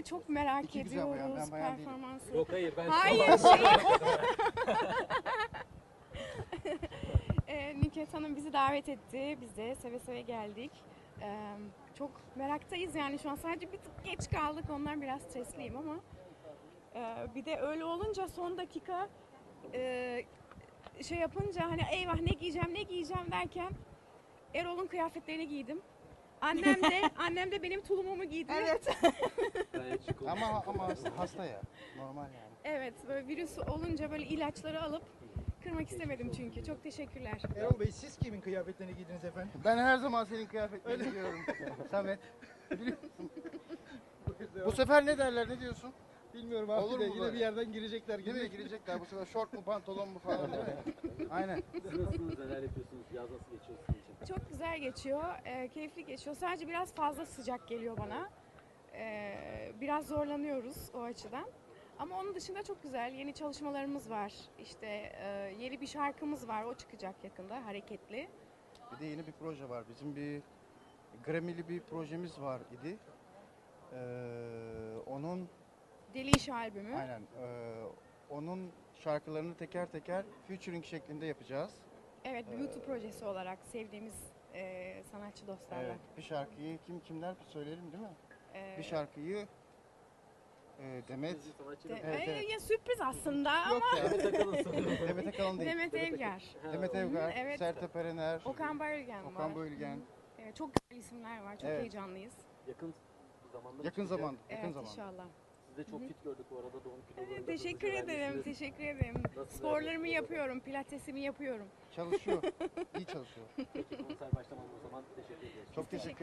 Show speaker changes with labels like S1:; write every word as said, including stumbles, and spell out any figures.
S1: de çok merak
S2: İki güzel bayan,
S1: ediyoruz
S2: ben bayan değilim.
S1: performansı.
S3: Yok hayır ben
S1: Hayır şey. e, Nükhet Hanım bizi davet etti. Biz de seve seve geldik. E, çok meraktayız yani şu an sadece bir tık geç kaldık. Ondan biraz stresliyim ama. E, bir de öyle olunca son dakika e, şey yapınca hani eyvah ne giyeceğim ne giyeceğim derken Erol'un kıyafetlerini giydim. Annem de annem de benim tulumumu giydi. Evet.
S3: gayet şık oldu.
S2: Ama ama hasta, hasta ya. Normal yani.
S1: Evet, böyle virüs olunca böyle ilaçları alıp kırmak istemedim çünkü. Çok teşekkürler.
S4: Erol Bey siz kimin kıyafetlerini giydiniz efendim?
S2: Ben her zaman senin kıyafetlerini giyiyorum. Samet. Biliyor musun? Bu sefer ne derler, ne diyorsun?
S4: Bilmiyorum abi
S2: Olur
S4: de
S2: mu
S4: yine
S2: böyle?
S4: bir yerden girecekler gibi.
S2: Değil mi? Girecekler bu sefer şort mu pantolon mu falan değil mi? Aynen.
S3: Siz nasılsınız, neler yapıyorsunuz, yaz nasıl geçiyor sizin için?
S1: Çok güzel geçiyor, e, keyifli geçiyor. Sadece biraz fazla sıcak geliyor bana. E, biraz zorlanıyoruz o açıdan. Ama onun dışında çok güzel. Yeni çalışmalarımız var. İşte e, yeni bir şarkımız var. O çıkacak yakında, hareketli.
S2: Bir de yeni bir proje var. Bizim bir Grammy'li bir projemiz var idi. Ee, onun
S1: Deli İş albümü.
S2: aynen ee, onun şarkılarını teker teker featuring şeklinde yapacağız.
S1: Evet, Beauty projesi olarak sevdiğimiz e, sanatçı dostlarla.
S2: Evet, bir şarkıyı kim kimler söyleyelim değil mi?
S1: E,
S2: Bir şarkıyı e, Demet
S3: Sizi sanatçı
S1: de-
S3: mı?
S2: Evet,
S1: e,
S2: evet.
S1: ya sürpriz aslında
S2: yok
S1: ama
S2: ya.
S3: Demet Akalın sanırım.
S2: Demet Akalın değil.
S1: Demet Evgar,
S3: Ha,
S2: Demet
S3: o-
S2: Evgar,
S1: evet.
S2: Sertab Erener,
S1: Okan Bayülgen var.
S2: Okan Bayülgen.
S1: Evet, çok güzel isimler var. Çok
S2: Evet.
S1: heyecanlıyız.
S3: Yakın zamanda
S2: Yakın
S3: çıkacak.
S2: zaman, yakın
S1: Evet,
S2: zaman.
S1: inşallah.
S3: Siz de çok fit gördük bu arada doğum kilolarında.
S1: Evet, teşekkür
S3: hızlı
S1: ederim,
S3: vermişsiniz.
S1: teşekkür ederim.
S3: Nasıl
S1: Sporlarımı
S3: vereceksiniz?
S1: yapıyorum, pilatesimi yapıyorum.
S2: Çalışıyor, iyi çalışıyor.
S3: Peki konser başlamadan o zaman teşekkür ediyoruz.
S2: Çok teşekkür